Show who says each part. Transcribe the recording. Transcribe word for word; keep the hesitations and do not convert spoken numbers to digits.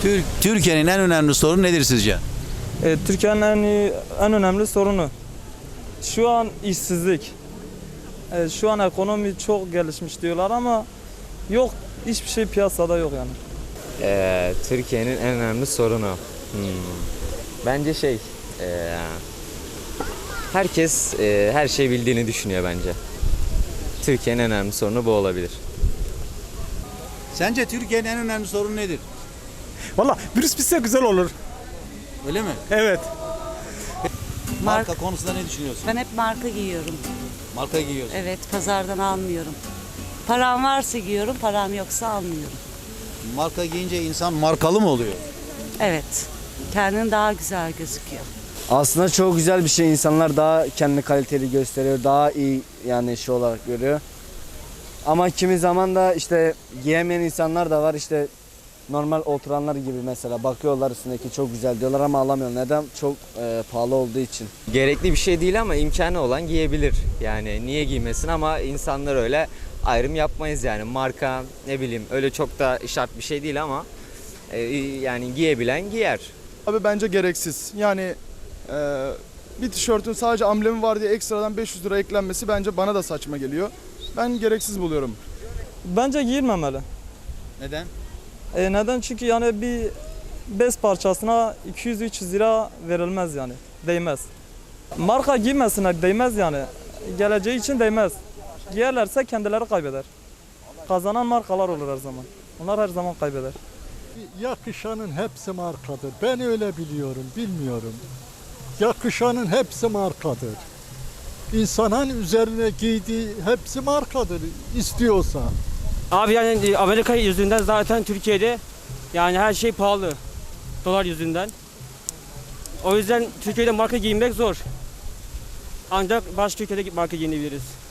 Speaker 1: Tür- Türkiye'nin en önemli sorunu nedir sizce?
Speaker 2: E, Türkiye'nin en, iyi- en önemli sorunu şu an işsizlik. E, şu an ekonomi çok gelişmiş diyorlar ama yok, hiçbir şey piyasada yok yani.
Speaker 3: Ee, Türkiye'nin en önemli sorunu. Hmm. Bence şey, ee, herkes ee, her şeyi bildiğini düşünüyor bence. Türkiye'nin en önemli sorunu bu olabilir.
Speaker 1: Sence Türkiye'nin en önemli sorunu nedir?
Speaker 4: Valla virüs bitse güzel olur.
Speaker 1: Öyle mi?
Speaker 4: Evet.
Speaker 1: Marka konusunda ne düşünüyorsun?
Speaker 5: Ben hep marka giyiyorum.
Speaker 1: Marka giyiyorsun.
Speaker 5: Evet, pazardan almıyorum. Param varsa giyiyorum, param yoksa almıyorum.
Speaker 1: Marka giyince insan markalı mı oluyor?
Speaker 5: Evet, kendini daha güzel gözüküyor.
Speaker 6: Aslında çok güzel bir şey. İnsanlar daha kendini kaliteli gösteriyor. Daha iyi yani şey olarak görüyor. Ama kimi zaman da işte giyemeyen insanlar da var. İşte normal oturanlar gibi mesela bakıyorlar üstündeki çok güzel diyorlar ama alamıyorlar. Neden? Çok e, pahalı olduğu için.
Speaker 3: Gerekli bir şey değil ama imkanı olan giyebilir. Yani niye giymesin ama insanlar öyle ayrım yapmayız yani. Marka ne bileyim öyle çok da şart bir şey değil ama ee, yani giyebilen giyer.
Speaker 7: Abi bence gereksiz. Yani e, bir tişörtün sadece amblemi var diye ekstradan beş yüz lira eklenmesi bence bana da saçma geliyor. Ben gereksiz buluyorum.
Speaker 2: Bence giyilmemeli.
Speaker 1: Neden?
Speaker 2: E, neden? Çünkü yani bir bez parçasına iki yüz üç yüz lira verilmez yani. Değmez. Marka giymesinler, değmez yani. Geleceği için değmez. Giyerlerse kendileri kaybeder. Kazanan markalar olur her zaman. Onlar her zaman kaybeder.
Speaker 8: Yakışanın hepsi markadır. Ben öyle biliyorum, bilmiyorum. Yakışanın hepsi markadır. İnsanın üzerine giydiği hepsi markadır istiyorsa.
Speaker 4: Abi yani Amerika yüzünden zaten Türkiye'de yani her şey pahalı. Dolar yüzünden. O yüzden Türkiye'de marka giyinmek zor. Ancak başka ülkede marka giyinebiliriz.